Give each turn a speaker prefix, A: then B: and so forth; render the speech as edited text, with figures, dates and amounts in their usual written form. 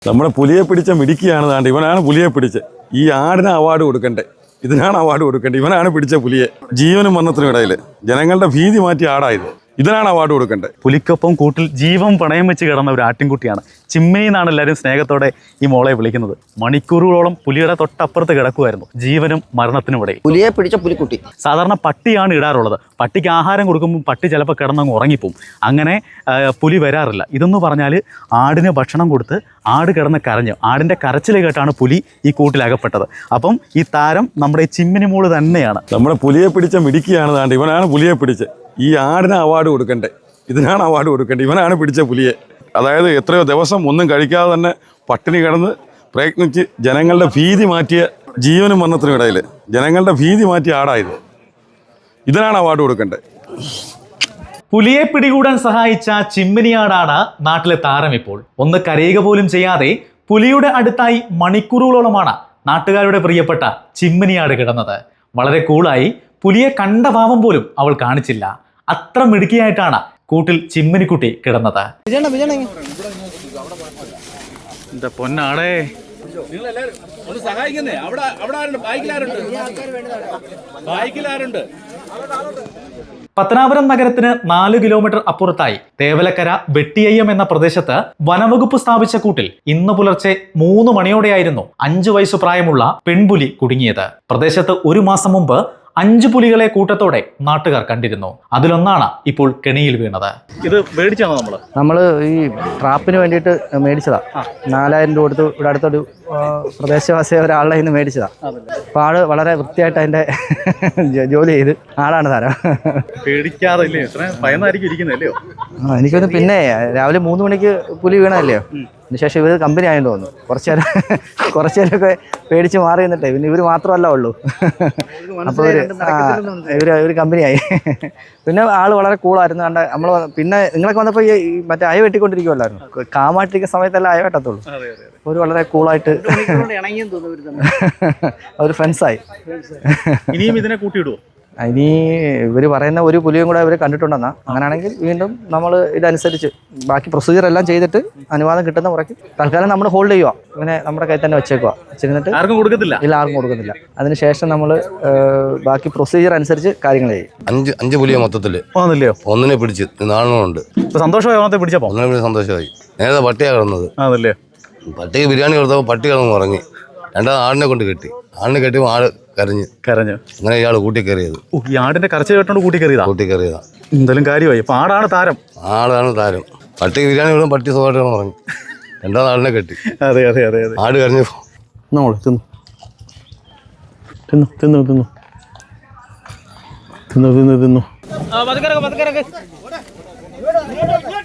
A: നമ്മുടെ പുലിയെ പിടിച്ച മിടുക്കിയാണ് താണ്ട് ഇവനാണ് പുലിയെ പിടിച്ച് ഈ ആടിന് അവാർഡ് കൊടുക്കണ്ടേ ഇതിനാണ് അവാർഡ് കൊടുക്കേണ്ടത് ഇവനാണ് പിടിച്ച പുലിയെ ജീവനും മരണത്തിനും ഇടയിൽ ജനങ്ങളുടെ ഭീതി മാറ്റി ആടായത് ഇതിനാണ് അവാർഡ് കൊടുക്കേണ്ടത്.
B: പുലിക്കൊപ്പം കൂട്ടിൽ ജീവൻ പണയം വെച്ച് കിടന്ന ഒരു ആട്ടിൻകുട്ടിയാണ്. ചിമ്മിനി എന്നാണ് എല്ലാവരും സ്നേഹത്തോടെ ഈ മോളെ വിളിക്കുന്നത്. മണിക്കൂറുകളോളം പുലിയുടെ തൊട്ടപ്പുറത്ത് കിടക്കുമായിരുന്നു ജീവനും മരണത്തിനും ഇടയിൽ.
C: പുലിയെ പിടിച്ച പുലിക്കുട്ടി.
B: സാധാരണ പട്ടിയാണ് ഇടാറുള്ളത്. പട്ടിക്ക് ആഹാരം കൊടുക്കുമ്പോൾ പട്ടി ചിലപ്പോൾ കിടന്നങ്ങ് ഉറങ്ങിപ്പോവും. അങ്ങനെ പുലി വരാറില്ല. ഇതെന്ന് പറഞ്ഞാൽ ആടിന് ഭക്ഷണം കൊടുത്ത് ആട് കിടന്ന് കരഞ്ഞു. ആടിൻ്റെ കരച്ചിൽ കേട്ടാണ് പുലി ഈ കൂട്ടിലകപ്പെട്ടത്. അപ്പം ഈ താരം നമ്മുടെ ചിമ്മിനി മോള് തന്നെയാണ്.
A: നമ്മുടെ പുലിയെ പിടിച്ച മിടുക്കിയാണ് താണ്ട് ഇവനാണ് പുലിയെ പിടിച്ച് ഈ ആടിന് അവാർഡ് കൊടുക്കണ്ടേ ഇതിനാണ് അവാർഡ് കൊടുക്കേണ്ടത് ഇവനാണ് പിടിച്ച പുലിയെ. അതായത് എത്രയോ ദിവസം ഒന്നും കഴിക്കാതെ തന്നെ പട്ടിണി കിടന്ന് പ്രയത്നിച്ച് ജനങ്ങളുടെ ഭീതി മാറ്റിയ ജീവനും മരണത്തിനും ഇടയിൽ ജനങ്ങളുടെ ഭീതി മാറ്റിയ ആടായത് ഇതിനാണ് അവാർഡ് കൊടുക്കേണ്ടത്.
B: പുലിയെ പിടികൂടാൻ സഹായിച്ച ചിമ്മിനിയാടാണ് നാട്ടിലെ താരം. ഇപ്പോൾ ഒന്ന് കരയുക പോലും ചെയ്യാതെ പുലിയുടെ അടുത്തായി മണിക്കൂറുകളോളമാണ് നാട്ടുകാരുടെ പ്രിയപ്പെട്ട ചിമ്മിനിയാട് കിടന്നത്. വളരെ കൂളായി പുലിയെ കണ്ട ഭാവം പോലും അവൾ കാണിച്ചില്ല. അത്ര മിടുക്കിയായിട്ടാണ് കൂട്ടിൽ ചിമ്മിനിക്കുട്ടി കിടന്നത്. എന്താ പൊന്നാടേ, പത്തനാപുരം നഗരത്തിന് 4 കിലോമീറ്റർ അപ്പുറത്തായി തേവലക്കര വെട്ടിയയ്യം എന്ന പ്രദേശത്ത് വനവകുപ്പ് സ്ഥാപിച്ച കൂട്ടിൽ ഇന്ന് പുലർച്ചെ 3 മണിയോടെയായിരുന്നു 5 വയസ്സു പ്രായമുള്ള പെൺപുലി കുടുങ്ങിയത്. പ്രദേശത്ത് 1 മാസം മുമ്പ് 5 പുലികളെ കൂട്ടത്തോടെ നാട്ടുകാർ കണ്ടിരുന്നു. അതിലൊന്നാണ് ഇപ്പോൾ കെണിയിൽ വീണത്. ഇത് മേടിച്ചാണോ നമ്മള്
C: ഈ ട്രാപ്പിന് വേണ്ടിയിട്ട് മേടിച്ചതാ. 4000 രൂപ കൊടുത്ത് ഇവിടെ അടുത്തൊരു പ്രദേശവാസിയ ഒരാളുടെ നിന്ന് മേടിച്ചതാ. അപ്പൊ ആള് വളരെ വൃത്തിയായിട്ട് അതിന്റെ ജോലി ചെയ്ത് ആളാണ് താരം.
B: പേടിക്കാതെ ഭയന്നായിരിക്കും ഇരിക്കുന്നല്ലോ.
C: എനിക്കൊന്ന് പിന്നെ രാവിലെ 3 മണിക്ക് പുലി വീണതല്ലയോ. അതിനുശേഷം ഇവർ കമ്പനി ആയെന്ന് തോന്നുന്നു. കുറച്ചു നേരമൊക്കെ പേടിച്ച് മാറി നിന്നിട്ടേ പിന്നെ ഇവർ മാത്രമല്ല ഉള്ളൂ. അപ്പോൾ ഇവർ കമ്പനിയായി. പിന്നെ ആള് വളരെ കൂളായിരുന്നു. കണ്ട നമ്മൾ പിന്നെ നിങ്ങളൊക്കെ വന്നപ്പോൾ ഈ മറ്റേ അയ വെട്ടിക്കൊണ്ടിരിക്കുമല്ലായിരുന്നു. കാമായിട്ടിരിക്കുന്ന സമയത്തല്ല അയ വെട്ടത്തുള്ളൂ. ഒരു വളരെ കൂളായിട്ട് അവർ ഫ്രണ്ട്സായി.
B: ഇനിയും ഇതിനെ കൂട്ടിയിടുവോ?
C: ഇനി ഇവർ പറയുന്ന ഒരു പുലിയും കൂടെ ഇവർ കണ്ടിട്ടുണ്ടെന്നാ. അങ്ങനെയാണെങ്കിൽ വീണ്ടും നമ്മൾ ഇതനുസരിച്ച് ബാക്കി പ്രൊസീജിയർ എല്ലാം ചെയ്തിട്ട് അനുവാദം കിട്ടുന്ന മുറയ്ക്ക് തൽക്കാലം നമ്മൾ ഹോൾഡ് ചെയ്യുക. ഇവനെ നമ്മുടെ കയ്യിൽ തന്നെ വെച്ചിരുന്നിട്ട്
B: ആർക്കും കൊടുക്കത്തില്ല.
C: ഇല്ല, ആർക്കും കൊടുക്കുന്നില്ല. അതിനുശേഷം നമ്മൾ ബാക്കി പ്രൊസീജിയർ അനുസരിച്ച് കാര്യങ്ങൾ ചെയ്യും.
D: 5 പുലിയെ മൊത്തത്തില് ഒന്നിനെ പിടിച്ച് നാളെയുണ്ട്.
B: സന്തോഷമായി പിടിച്ചപ്പോ
D: ഒന്നിനെ സന്തോഷമായി. നേരത്തെ പട്ടിയാണ് കിടന്നത്. പട്ടിക്ക് ബിരിയാണി കൊടുത്തപ്പോൾ പട്ടി കിടന്ന് ഉറങ്ങി. രണ്ടാമത് ആടിനെ കൊണ്ട് കെട്ടി. ആടിനെ കെട്ടിയപ്പോൾ ആട് കരഞ്ഞു. അങ്ങനെ ഇയാൾ കൂട്ടി കയറിയത്.
B: ഈ ആടിന്റെ കരച്ചിൽ കേട്ടോണ്ട് കൂട്ടി കയറിയതാ. എന്തായാലും കാര്യമായി. ആടാണ് താരം.
D: പട്ടിക്ക് ബിരിയാണി കൊടുക്കും. പട്ടി സുഖമായിട്ട് കിടന്ന് ഉറങ്ങി. രണ്ടാമത് ആടിനെ കെട്ടി.
B: അതെ
D: ആട് കരഞ്ഞു.
B: തിന്നു